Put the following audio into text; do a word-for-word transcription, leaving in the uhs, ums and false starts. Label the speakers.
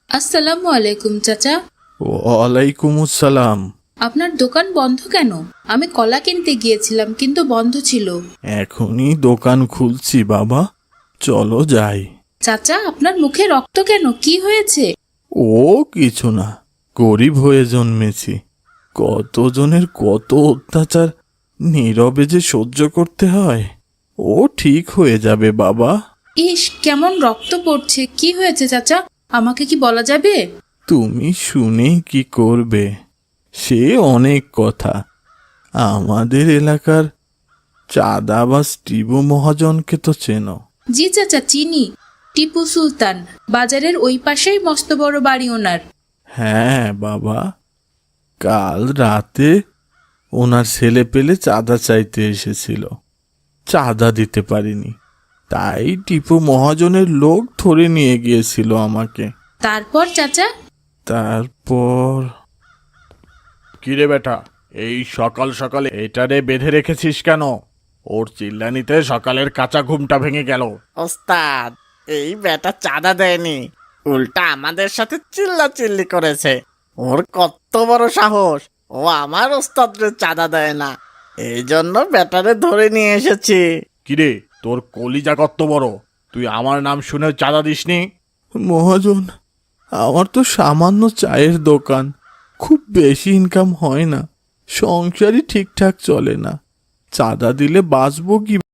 Speaker 1: আসসালামু আলাইকুম চাচা।
Speaker 2: ওয়ালাইকুম আসসালাম।
Speaker 1: আপনার দোকান বন্ধ কেন? আমি কলা কিনতে গিয়েছিলাম কিন্তু বন্ধ ছিল।
Speaker 2: এখনই দোকান খুলছি বাবা, চলো যাই।
Speaker 1: চাচা, আপনার মুখে রক্ত কেন? কি হয়েছে?
Speaker 2: ও কিছু না, গরিব হয়ে জন্মেছি। কতজনের কত অত্যাচার নীরবে যে সহ্য করতে হয়। ও ঠিক হয়ে যাবে বাবা।
Speaker 1: ইস, কেমন রক্ত পড়ছে! কি হয়েছে চাচা? আমাকে কি বলা যাবে?
Speaker 2: তুমি শুনে কি করবে? সে অনেক কথা। আমাদের এলাকার চাঁদাবাজ টিবু মহাজনকে তো চেনো?
Speaker 1: জি চাচা, চিনি। টিপু সুলতান, বাজারের ওই পাশেই মস্ত বড় বাড়ি ওনার।
Speaker 2: হ্যাঁ বাবা, কাল রাতে ওনার ছেলে পেলে চাঁদা চাইতে এসেছিল, চাঁদা দিতে পারিনি, তাই টিপু মহাজনের লোক ধরে নিয়ে গিয়েছিল আমাকে।
Speaker 1: তারপর চাচা?
Speaker 2: তারপর কিরে বেটা, এই সকাল সকালে এটারে বেঁধে রেখেছিস কেন? ওর চিল্লানিতে সকালের কাঁচা ঘুমটা ভেঙে গেল।
Speaker 3: ওস্তাদ, এই বেটা চাঁদা দেয়নি, উল্টা আমাদের সাথে চিল্লা চিল্লি করেছে। ওর কত বড় সাহস! ও আমার ওস্তাদরে চাঁদা দেয় না, এই জন্য বেটারে ধরে নিয়ে এসেছি।
Speaker 2: কিরে, তোর কলিজা কত বড়, তুই আমার নাম শুনে চাঁদা দিসনি? মহাজন, আমার তো সামান্য চায়ের দোকান, খুব বেশি ইনকাম হয় না, সংসারই ঠিকঠাক চলে না, চাঁদা দিলে বাঁচবো কি?